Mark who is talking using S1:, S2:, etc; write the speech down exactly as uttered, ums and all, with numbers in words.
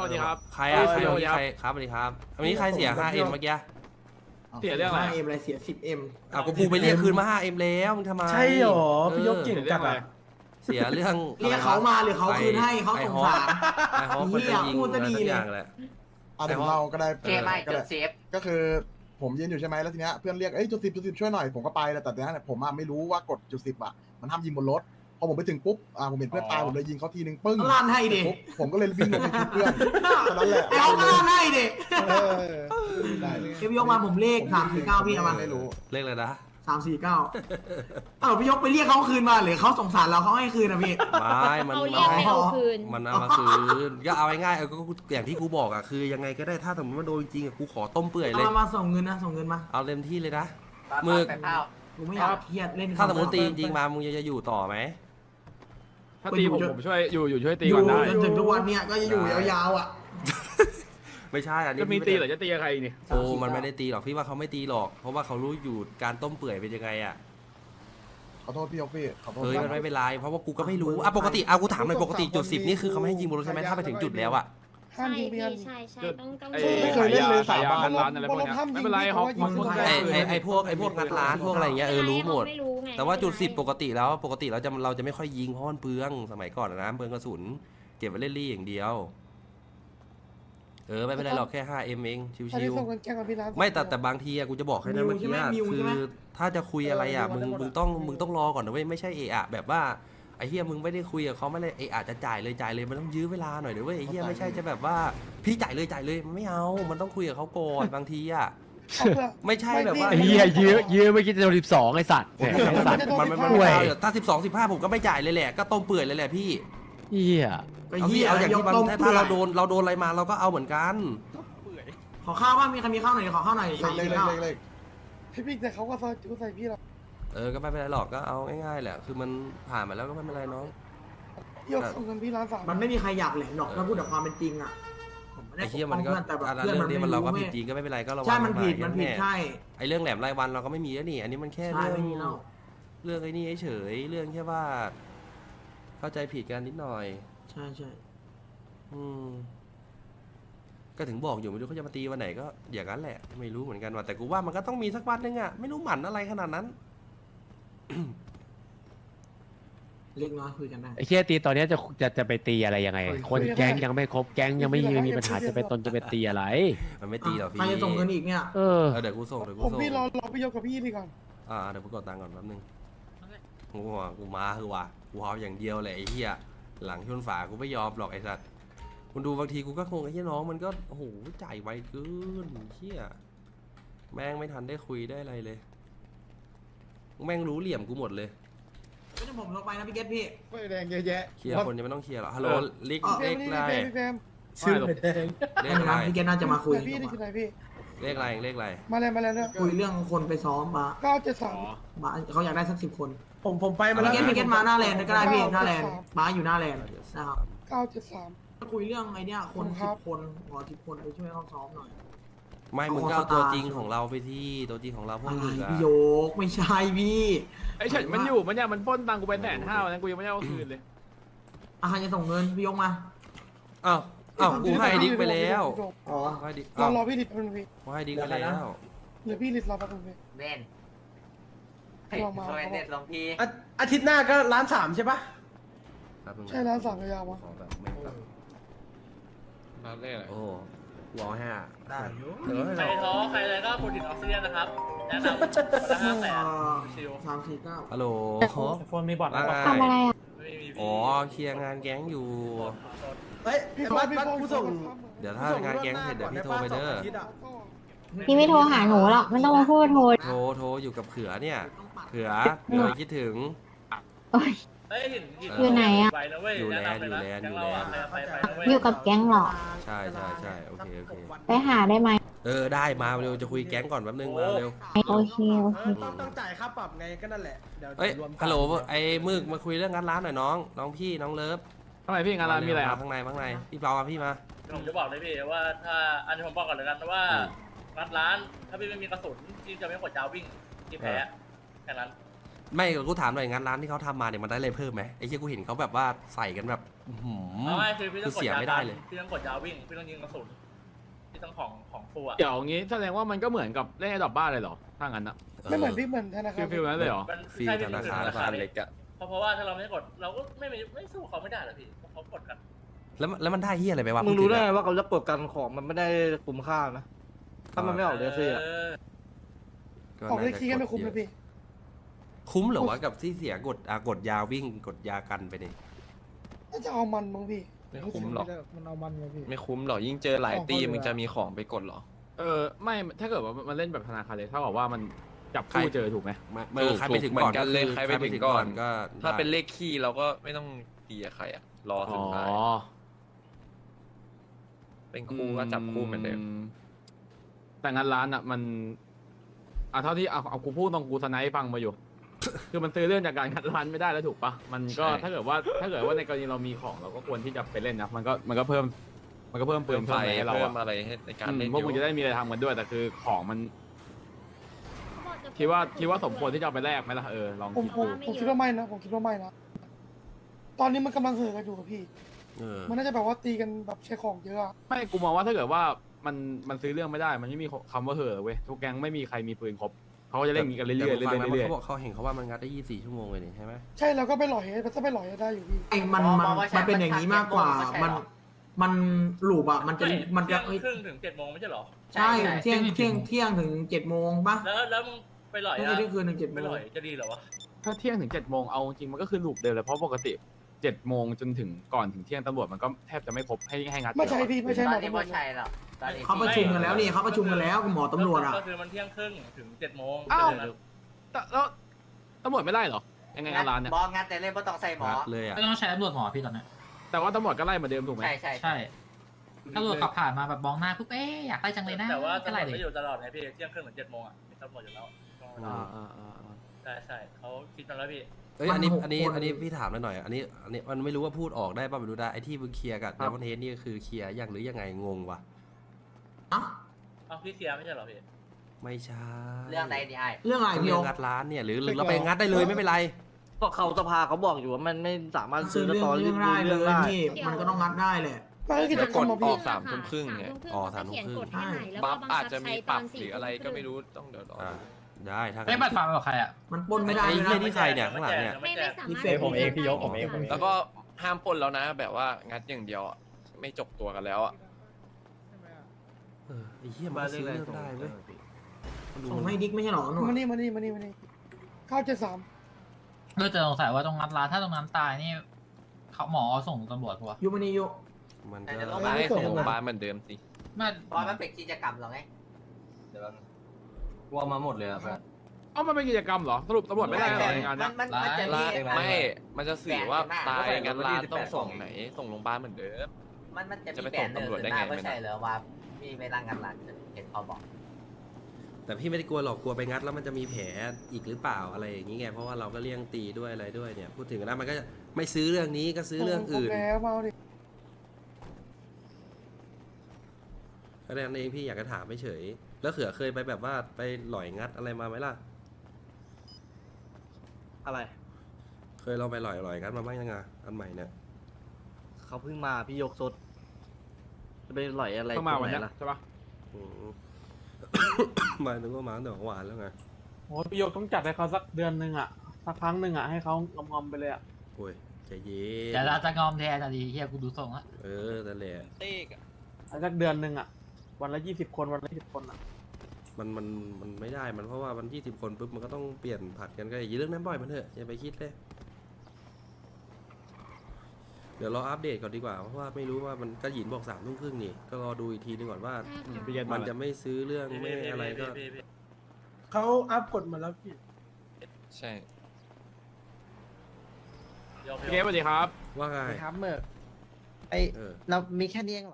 S1: วัสดีครับ
S2: ใครอ่ะใครวันนี้ใครครับสวัสดีครับวันนี้ใครเสีย ห้า เอ็ม เมื่อกี้
S1: เสียเรื่องอะไร
S3: ห้าเอ็มอะไรเสียสิบเอ็ม
S2: อ่ะกูพูไปเรียกคืนมา ห้า เอ็ม แล้วมึงทำไม
S4: ใช่หรอพี่ยกเก่ง
S1: เสียเรื่
S4: จั
S1: อง
S4: ด
S1: อะไร
S4: อะ
S2: เสียเรื่อง
S3: เรียกเขามาหรือเขาคืนให้เขาสงสาร
S2: ไอ้ฮอปมันจะยิง
S3: พูด
S2: อะ
S3: ซะ
S2: ไร
S3: ดี
S2: สัก
S3: เลย
S2: อย่างแหละ
S5: อ่ะเดี๋ยวเราก็ได้
S6: เกมไม่
S5: ก็
S6: จ
S5: ได้
S6: ดเซฟ
S5: ก็คือผมยืนอยู่ใช่ไหมแล้วทีเนี้ยเพื่อนเรียกเอ้ยจุดสิบจุดสิบช่วยหน่อยผมก็ไปแต่ตอนนั้นผมอ่ะไม่รู้ว่ากดจุดสิบอ่ะมันห้ามยิงบนรถพอผมไปถึงปุ๊บอ่าผมเห็นเพื่อนตายผมเลยยิงเขาทีนึงปึ้ง
S3: ลั่นให้ดิ
S5: ปุ๊บผมก็เลยวิ่งลงไปชุบเพื่อนตอนนั้นแหละ
S3: ไอ้เขาก็ลั่นให้ดิ
S5: เออได้เลย
S3: เก็บยกมาผมเลขสามสี่เก้าพี่เอามา
S5: ไม่รู้
S2: เลขเลยนะ
S3: สามสี่เก้าเออพี่ยกไปเรียกเขาคืนมาหรือเขาสงสารเราเขาให้คืนนะพี่
S2: ไม่มัน
S7: เขาเรียกให้เอาคืน
S2: มันเอามาคืนก็เอาง่ายๆเออก็อย่างที่กูบอกอ่ะคือยังไงก็ได้ถ้าสมมติว่าโดนจริงๆอ่ะกูขอต้มเปื่อยเลย
S3: เอามาส่งเงินนะส่งเงินมา
S2: เอาเต็มที่เลยนะ
S6: มื
S2: มื
S6: อ
S2: อ
S6: ไปเผา
S3: ผมไม่อยากเครียดเล่น
S2: ถ้าสมมติตีจริงๆมามึงจะอยู่ต่อไหม
S1: ถ้าตีผมผมช่วยอยู่อยู่ช่วยตี
S3: อ
S1: ก่
S3: ยู่
S1: อนได้
S3: จนถึงทุกวันเนี้ยก็จะอยู่ยาวๆอ่ะ
S2: ไม่ใช่อันนี้
S1: จะมีตีหรือจะตีใครนี่
S2: โอ้มันไม่ได้ตีหรอกพี่ว่าเขาไม่ตีหรอก เพราะว่าเขารู้อยู่การต้มเปื่อยเป็นยังไงอ่ะ
S5: ขอโทษพี่ยกพี่ขอโทษ
S2: เฮ้ยมันไม่เป็นไรเพราะว่ากูก็ไม่รู้อ่ะปกติอ่ะกูถามหน่อยปกติจุดสิบนี่คือเขาไม่ให้ยิงบนรถใช่ไหมถ้าไปถึงจุดแล้วอ่ะ
S7: ใช่พี่ใช่ใช่ต้องต้อง
S1: ไอ้
S5: ไม่เคยเล่นเลย
S1: ขายยา
S5: สาบาน
S1: ร้านอะไรพวกเนี้ยไม่เป็นไรฮอกมันคน
S2: ไอ
S1: ได้
S2: ไอไอพวกไอพวกงัดร้านพวกอะไรอย่างเงี้ยเออรู้หมด
S7: ไม่รู้ไง
S2: แต่ว่าจุดสิบปกติแล้วปกติเราจะเราจะไม่ค่อยยิงเพราะมันเปลืองสมัยก่อนนะเปลืองกระสุนเก็บไว้เล่นรี่อย่างเดียวเออไม่เป็นไรหรอกแค่ ห้า เอ็ม เองชิ
S4: อันนี้
S2: ว
S4: ส่งกันแกงกับพี่ร้าน
S2: ๆไม่แต่แต่บางทีอะกูจะบอกให้นะเมื่อกี้อะคือถ้าจะคุยอะไรอะมึงมึงต้องมึงต้องรอก่อนนะเว้ยไม่ใช่เอะอะแบบว่าไอ้เฮียมึงไม่ได้คุยกับเขาไม่ได้เอะอะจะจ่ายเลยจ่ายเลยมันต้องยื้อเวลาหน่อยเดี๋ยวเว้ยไอ้เฮียไม่ใช่จะแบบว่าพี่จ่ายเลยจ่ายเลยมันไม่เอามันต้องคุยกับเขาก่อนบางทีอะไม่ใช่แบบว่า
S8: ไอ้เหี้ยยื้อยื้อไม่คิดจะโดนสิบสองไอ้สัตว์แหมไอ้สัตว์
S2: มันมันมันไม่เอาถ้าสิบสองสิบห้าผมก็ไม่จ่ายเลยแหละก็ต้มเปื่อยเลยแหละพี่
S8: เหี้ย
S3: ก็
S2: เอา
S3: เหี้
S2: พี่
S3: ย
S2: เอาอย่างที่มัน
S3: ต้ม
S2: ถ้าเราโดนเราโดนอะไรมาเราก็เอาเหมือนกัน
S3: ขอข้าวบ้างมีใครมีข้าวหน่อยขอข้าวหน่อย
S5: เล
S3: สาม
S5: ขเล
S3: สี่
S5: ข
S3: เก้า
S5: เลขเลข
S4: พี่พี่แต่เขาก็ซอยจูใส่พี่หรอก
S2: เออก็ไม่เป็นไรหรอกก็เอาง่ายๆแหละคือมันผ่านมาแล้วก็ไม่เป็นไรน้อง
S4: พี่ยกส่งเงินพี่ร้านสาม
S3: มันไม่มีใครอยากแหลมหรอกถ้าพูดแบบความเป็นจริงอ่ะผมไม่ได้
S2: ไอ้
S3: ป
S2: เหี้ย
S3: ก
S2: มั
S3: ป้อน ง
S2: ก็
S3: เพื่อนแต่แบบ
S2: อันนั้น
S3: เพื่อน
S2: เรื่อ
S3: มั
S2: ง
S3: น
S2: นี้
S3: ไม่
S2: มันเรา
S3: รู้
S2: ก็
S3: ไง
S2: ผิดจริงก็ไม่เป็นไรก็ระวัง
S3: ใช่มันผิด
S2: ห
S3: มันผิด
S2: แ
S3: ใช่
S2: ไอ้เรื่องแหลมรายวันเราก็ไม่มีแล้วนี่ อันนี้มันแค่
S3: ใช่
S2: เรื่อง
S3: ไม่มีแล้ว
S2: เรื่องไอ้นี่เฉยๆเรื่องแค่ว่า เข้าใจผิดกันนิดหน่อย
S3: ใช่ใช่
S2: อืมก็ถึงบอกอยู่ไม่รู้เขาจะมาตีวันไหนก็อย่างนั้นแหละ ไม่รู้เหมือนกันว่าแต่กูว่ามันก็ต้องมีสักวันนึงอะไม่รู้หมันอะไรขนาดนั้น
S3: เล็กน้อยคุยกันได้
S8: ไอ้เหี้ยตีตอนเนี้ยจะจะจะไปตีอะไรยังไง คนแก๊งยังไม่ครบแก๊งยังไม่มีมีปัญหาจะไปตนจะไปตีอะไร
S2: มันไม่ตีหรอกพี่
S3: ใครจะส่งเงินอีกเนี่ย
S8: เออ
S2: เออเดี๋ยวกูส่งเดี๋ยวกู
S4: ผม
S2: ส่ง
S4: พี่รอรอพี่ยกกับพี่นี่ก่อน
S2: อ่าเดี๋ยวกูกดตังค์ก่อนแป๊บนึงกูว่ากูมาคือว่ากูเอาอย่างเดียวเลยไอ้เหี้ยหลังชนฝากูไม่ยอมหรอกไอ้สัตว์คุณดูบางทีกูก็งงไอ้เหี้ยน้องมันก็โอ้โหจ่ายไวเกินเหี้ยแม่งไม่ทันได้คุยได้อะไรเลย แม่งรู้เหลี่ยมกูหมดเลย
S3: ไม่ต้องผมลงไปนะพี่เกตพี่
S5: ไฟแดงเยอะแยะ
S2: เคลียร์คนยังไม่ต้องเคลียร์หรอกฮัลโหลลิก
S3: อ๋อ
S2: เลข
S4: พี่
S2: อะไร
S4: พี่แซม
S1: ชื่อแดง
S2: เล
S3: ไม่
S2: ข
S3: เป็น
S2: อะ
S3: ไร
S2: ไร
S3: พี่เกตน่าจะมาคุย
S4: แต่พี่นี่คือไหนพี่
S2: เลขอะไรเลขอะไร
S4: มาแล้วมาแล้วเนี่ย
S3: คุยเรื่องคนไปซ้อมบา
S4: เก้าเจ็ดสาม
S3: บาเขาอยากได้สักสิบคน
S4: ผมผมไปมา
S3: พี่
S4: แล้ว
S3: เกตพี่เกตมาหน้าแลนด์ก็ได้พี่หน้าแลนด์บาอยู่หน้าแลนด์นะครับ
S4: เก้าเจ็ดสาม
S3: คุยเรื่องไอ้เนี่ยคน
S4: ครั
S3: สิ
S4: บบ
S3: คนขอสิบคนไปช่วยเขาซ้อมหน่อย
S2: ไม่มึงก็เอาตัวจริงของเราไปที่ตัวจริงของเราพวก
S3: อะไร
S2: มึงอะ
S3: พี่โยกไม่ใช่พี่
S1: ไอ้เฉินมันอยู่มันเนี่ยมันปล้นตังกูไปแสนห้าวันนั้นกูยังไม่ได้เอาคืนเลย
S3: อาหารจะส่งเงินพี่ยกมา
S2: อ้าวอ้าวกูให้ดิ๊กไปแล้ว
S3: อ๋อ
S2: ให้ดิ๊ก
S4: รอ
S2: อ้าว
S4: รอพี่ลิดแป๊บนึงพี่
S2: กูให้ดิ๊กไปแล้ว
S4: เหลือพี่ลิดรอแป๊บนึงพี่
S6: เบนเฮ้ย
S4: ลองมา
S6: ช่วยเน็ตลงพี่
S4: อาอาทิตย์หน้าก็ร้านสามใช่ปะ
S2: ครับมึง
S4: ใช่ร้านสามยาวๆวะ
S2: ขอแบบไม่แบบ
S1: ร้านเลขอะไร
S2: โอ้วอลห้า
S3: ได้อยู่
S2: เออ
S9: ใครท้อใครอะไรก็โปรตีนออกซิเจนนะครับ แนะนำคนละห้าแสนชิล
S3: สามสี่เก้า
S2: ฮัลโหล
S4: โฟนมีบอท
S2: ว่าไง
S7: ทำอะไรอ่ะ
S9: ไม่มี
S2: อ๋อเคลียร์งานแก๊งอยู่
S4: เฮ้ยพี่โฟนพี่โฟนผู้ส่ง
S2: เดี๋ยวถ้างานแก๊งเสร็จเดี๋ยวพี่โทรไปเด้อ
S7: พี่ไม่โทรหาหนูหรอกไม่ต้องมาพูดโทร
S2: โทรโทรอยู่กับเขือเนี่ยเขือเดี๋ยวคิดถึง
S7: โอ๊ย
S9: เฮ้ยเห็น
S7: อยู่ไหนอะ
S9: ไปนะเว้ย
S2: อยู่
S9: แนะ
S2: แลนด์
S9: นำเลยนะ
S2: อยู่
S9: แก๊ง
S2: แล
S9: เรา
S2: นด์
S9: อะไปไปไปนะเว้ย
S7: อยู่กับแก๊งเหรอ
S2: ใช่ใช่ใช่โอเคโอเค
S7: ไปหาได้ไหม
S2: เออได้มาเร็วจะคุยแก๊งก่อนแป๊บนึงมาเร็ว
S7: โอเคโอเค
S4: ต้องต้องจ่ายค่าปรับไงก็นั่นแหละเดี๋ยว
S2: เอ้ย
S4: รวมกัน
S2: ฮัลโหลไอ้มึกมาคุยเรื่องงานร้านหน่อยน้องน้องพี่น้องเลิฟ
S1: ทำไมพี่งานร้านมีอะไรครับ
S2: ข้างในข้างในพี่เปามาพี่มา
S9: ผมจะบอกเลยพี่ว่าถ้าอันนี้ผมบอกก่อนเลยกันว่างัดร้านถ้าพี่ไม่มีกระสุนพี่จะไม่กดจาวิ่งพี่แพ้แค่นั้น
S2: ไม่กูถามหน่อยงานร้านที่เขาทำมาเนี่ยมันได้อะไรเพิ่มไหมไอ้เหี้ยกูเห็นเขาแบบว่าใส่กันแบบอื้อหือ
S9: เอาไงคือพี่ต้องกด
S2: คือเสีย
S9: ยา
S2: ไม่ได้เลย
S9: พี่ต้องกดยาวิ่งพี่ต้องยิงกระสุนพี่ต้องของของฟูอ่ะ
S1: เดี๋ยวงี้แสดงว่ามันก็เหมือนกับเล่นไอ้ดอกบ้านเลยเหรอถ้างั้นนะ
S4: ไม่เหมือนพี่เหมือนธนา
S1: ฟิ
S4: คาร
S1: ลฟิลนั้นเลยเหรอ
S9: มัน
S2: ฟรี
S9: ใช่พี่
S2: ธนาคาร
S9: ธนาคาร
S8: เล็กอะ
S9: เพราะเพราะว่าถ้าเราไม่กดเราก็ไม่ไม่ไม่สู้เขาไม่ได้หรอกพี่เพราะเขากดกัน
S2: แล้วแล้วมันได้เหี้ยอะไรไปวะ
S4: มึงรู้ได้
S2: พู
S4: ไง
S2: ถึอะ
S4: ว่าเขาจะกดกันของมันไม่ได้คุ้มค่านะถ้ามันไม่ออกเดซี่อะ
S2: ออกเลขที่ไม่คุ้ม
S4: นะพี่
S2: คุ้มเหรอวะกับที่เสียกดอ่ะกดยาวิ่งกดยากันไปนี่
S4: น่าจะเอามันมั้งพี่
S10: ไม่คุ้มหรอก
S4: มันเอามันไงพี่
S10: ไม่คุ้มหรอกยิ่งเจอหลายตี
S4: ของเขา
S10: มึงจะมีของไปกดเหรอ
S1: เออไม่ถ้าเกิดว่ามันเล่นแบบธนาคารเลยเท่ากับว่ามันจับคู่เจอถูกไหม
S2: มาเออใครไปถึง
S10: เหมื
S2: ก่
S10: อ
S2: อน
S10: นกันเลย
S2: คือ
S10: ใครไปถึงก่อน
S2: ก็
S10: ถ้าเป็น
S2: ได้
S10: เลขคี่เราก็ไม่ต้องตีกับใครอะรอ
S1: อ๋
S10: สุ
S1: อ
S10: ดท้ายเป็นคู่ก็จับคู่เหมือนเดิม
S1: แต่งานร้านอ่ะมันอ่ะเท่าที่เอาเอากูพูดตรงกูสไนป์ฟังมาอยู่ คือมันซื้อเรื่องจากการงานร้านไม่ได้แล้วถูกปะมันก็
S10: ใช่
S1: ถ้าเกิดว่าถ้าเกิดว่าในกรณีเรามีของเราก็ควรที่จะไปเล่นนะมันก็มันก็เพิ่ม มันก็เพิ่มปื
S10: เพิ่
S1: น
S10: มไฟ
S1: เพิ่มอะไรให้เรา
S10: เพิ่ม
S1: อะ
S10: อะไรให้ในการ
S1: อืม
S10: เล่น
S1: พวก
S10: อ
S1: มึง
S10: ยู่
S1: จะได้มีอะไรทำกันด้วยแต่คือของมันคิดว่าคิดว่าสมควรที่จะเอาไปแลกไหมล่ะเออลอง
S4: ผม
S1: คิด
S4: ผม
S1: ดู
S4: ผมคิดว่าไม่นะผมคิดว่าไม่นะตอนนี้มันกำลังเห่อกันอยู่กับพี่
S2: เออ
S4: มันน่าจะแบบว่าตีกันแบบใช้ของเยอะอะ
S1: ไม่กูมองว่าถ้าเกิดว่ามันมันซื้อเรื่องไม่ได้ มันไม่มีคำว่าเห่อเว้ยทุกแก๊งไม่มีใครมีปืนครบเขาก็จะเล่นอย่างนี้กันเรื่อยๆเรื่
S2: แต่ผมฟังนะ
S1: อยๆเรื่อย
S2: เขาบอกเขาเห็นเขาว่ามันงัดได้ยี่สิบสี่ชั่วโมงเลยนี่ใช่ไหม
S4: ใช่เราก็ไปหล่อยมันจะไปหล่อยได้อยู่พี่
S3: ไอ้มันมันมันเป็นอย่างนี้มากกว่า มันมันหลูบอ่ะมันจะ
S9: ไม่
S3: มันจะ
S9: เที่ยงครึ่งถึงเจ็ดโมงไม่ใช่เหรอ
S3: ใช่เที่ยงเที่ยงเที่ยงถึงเจ็ดโมงป่ะ
S9: แล้วแล้วมึงไปหล่อย
S3: ไม่
S9: อะ
S3: ใช่เที่ยงคืนถึงเจ็ดโม
S9: ไป
S3: ง
S9: หล่อยจะดีเหรอวะ
S1: ๆถ้าเที่ยงถึงเจ็ดโมงเอาจริงมันก็คือลูปเดิมเลยเพราะปกติเจ็ดโมงจนถึงก่อนถึงเที่ยงตำรวจมันก็แทบจะไม่พบให้ให้งัด
S4: ไม่ใช่พี่ไม่ใช่
S6: ต
S4: หม
S6: อ
S4: อน
S6: นี้
S4: ตำรว
S6: ไม่
S4: จ
S6: ใช่หรอกตอนนี้
S3: เขาประชุมกันแล้วนี่เขาประชุมกันแล้วกับหมอตำรวจอ่ะ
S9: ก็คือมันเที่ยงครึ่งถึงเจ็ดโมง
S1: อ้าว
S9: เดี๋ยนั้น
S1: แต่แล้วตำรวจไม่ไล่เหรอยังไงงานร้านเนี่ย
S6: บอสงานแต่เล่นไม่ต้องใส่หมอ
S2: งัดเลยอ่ะ
S11: ไม่ต้องใช้ตำรวจหมอพี่ตอนนี้
S1: แต่ว่าตำรวจก็ไล่เหมาเดิมถูกไหม
S6: ใช่ใช่
S11: ใช่ตำรวจขับผ่านมาแบบมองหน้าปุ๊บเอ๊ะอยากไล่จังเลยนะ
S9: แต่ว่า
S11: ก็
S9: ตำร
S11: ไล่
S9: วจ
S11: เลย
S9: ไม่อยู่ตลอดไงพี่เที่ยงครึ่งถึงเจ็ดโมงอ่ะมีตำรวจอยู่แล้ว
S1: อ่าอ่าอ่าอ่า
S9: ใช่ใช่เขาคิดมาแล้วพี่
S2: เอ้ยอันนี้
S3: มันหก
S2: อันนี้
S3: คน
S2: อันนี้พี่ถามหน่อยอันนี้อันนี้มันไม่รู้ว่าพูดออกได้ป่ะไม่รู้ได้ไอ้ที่มึงเคลียร์กับเดมอนเฮดนี่คือเคลียร์ยังหรือยังไงงงวะ
S3: อ่ะ
S9: เอาพี่เคลียร์ไม่ใช่เหรอพี่
S2: ไม่ใช่
S6: เรื่องใดดีไอ
S3: เรื่องอะไร
S2: ก็
S3: พี่
S2: เรื่
S3: โอ
S2: องงัดร้านเนี่ยหรือหรือเราไปงัดได้เลยไม่เป็นไร
S4: ก็เขาสภาเขาบอกอยู่ว่ามันไม่สามารถ
S3: ซื้
S4: ซื้
S3: อ
S4: อ
S3: เรื่อง
S4: ตอน
S3: เรื่องได้เลย
S4: ได้
S3: พี่มันก็ต้องงัดได้แหละ
S4: มันก็กิจกรรมอะพี่
S10: สามทุ่มครึ่งเนี่ย
S2: อ๋อสามทุ่มครึ่ง
S7: ให้หน่อยแล้ว
S10: บั
S7: ก็
S10: ฟ
S7: บัง
S10: อาจ
S7: คับ
S10: จะมี
S7: ใช้
S10: ป
S7: ต
S10: รั
S7: อบ น
S10: ห
S7: สี่
S10: รืออะไร
S7: ทุ่มค
S10: ก็
S7: รึ่ง
S10: ไม่รู้ต้องเดี๋ยวรอ
S2: อ่าได้ถ้า
S11: ไม่บัตรฟาร์มกับใครอ่ะ
S3: มันปล้นไม่ได้
S2: ไอ้
S3: ด้วย
S2: เหี้ย
S3: นะ
S2: นี่ใครเนี่ยข้างหลังเนี่ย
S7: ไม่ไม่สามารถ
S3: มีเฟซผมเองพี่ยกผมเองผมเอง
S10: แล้วก็ห้ามปล้นแล้วนะ แบบว่างัดอย่างเดียวอะไม่จบตัวกันแล้วอ่ะ
S2: เออไอ้เหี้ยมันก็ซื้อเรื่องได้เว้ยมันดู
S3: ส่ง
S2: มัน
S3: ให้ดิ๊กไม่ใช่หรอหนู
S4: มานี่มานี่มานี่มานี่เก้าเจ็ดสาม
S11: เออจะสงสัยว่าตรงนั้นร้านถ้าตรงนั้นตายนี่เขาหมอเอาส่งตำรวจปะวะ
S3: ยูมานี่ยู
S2: มัน
S6: แต่
S2: ก็
S6: เดี๋ยวเรา
S10: ไม่ให้ส่งโรงพยาบาลเหมือนเดิมสิ
S11: ไม่
S6: บอสมันเป็นกิจกรรมเหรอไง
S1: เอ้ามันเป็นกิจกรรมเหรอสรุปตำรวจไม่ได้เหรอในงาน
S6: มั
S1: เนี้
S6: น
S1: ย
S6: มันมันจะมี
S10: ไม่ มันจะสื่อว่าตายงันร้านต้องส่งไหน ส่งโรงพยาบาลเหมือนเดิม
S6: มันมันจะ
S10: จะ
S6: มี
S10: ไป
S6: แผ
S10: ส่
S6: น
S10: ง
S6: หนึ่ง
S10: ตำรวจได้
S6: ขึ้น
S10: ไง
S6: มาไม่
S10: ไม่
S6: ใช่
S10: นะ
S6: เหรอว่ามีเวลางานหลังเห็นเขาบอก
S2: แต่พี่ไม่ได้กลัวหรอกกลัวไปงัดแล้วมันจะมีแผลอีกหรือเปล่าอะไรอย่างงี้ไงเพราะว่าเราก็เลี่ยงตีด้วยอะไรด้วยเนี่ยพูดถึงนะมันก็จะไม่ซื้อเรื่องนี้ก็ซื้อเรื่องอื่น
S4: แล้วมาเอาดิ
S2: แค่นั้นเองพี่อยากจะถามไม่เฉยแล้วเขือเคยไปแบบว่าไปหล่อยงัดอะไรมาไหมล่ะ
S4: อะไร
S2: เคยลองไปหล่อยหล่อยงัดมาบ้างยังไงอันใหม่เนี่ย
S4: เขาเพิ่งมาพี่ยกสดจะไปหล่อยอะไร
S1: ต้องมาวันเนี้ยใช่ปะ
S2: อืม หมายถึงว่ามาตั้งแต่เมื่อวานแล้วไง
S4: โอ้พี่ยกต้องจัดให้เขาสักเดือนหนึ่งอ่ะสักครั้งหนึ่งอ่ะให้เขางอมๆไปเลยอ่ะ
S2: โอ้ยใจเย็น
S11: แต่เราจะงอมแทนอะดีเฮียกูดูทรงละ
S2: เออนั่นแหละ
S4: สักเดือนหนึ่งอ่ะวันละยี่สิบคนวันละยี่สิบคนอ่ะ
S2: มันมันมันไม่ได้มันเพราะว่ามันยี่สิบคนปุ๊บมันก็ต้องเปลี่ยนผัดกันก็อย่าเรื่องนั้นบ่อยมันเถอะอย่าไปคิดเลยเดี๋ยวรออัปเดตก่อนดีกว่าเพราะว่าไม่รู้ว่ามันก็หยินบอกสามทุ่มครึ่งนี่ก็รอดูอีกทีนึงก่อนว่า
S1: พี่เย็น
S2: มั
S1: มาน
S2: จะไม่ซื้อเรื่องไม่อะไรก็
S9: พี่พี่พี่
S4: เขาอัพกฎมาแล้วพี่
S10: ใช่
S9: พี่โอ
S1: พี่เกสสวัสดีครับ
S2: ว่าไง
S4: ครับเมื่อไอ
S2: เออ
S4: เรามีแค่นี้เองเหรอ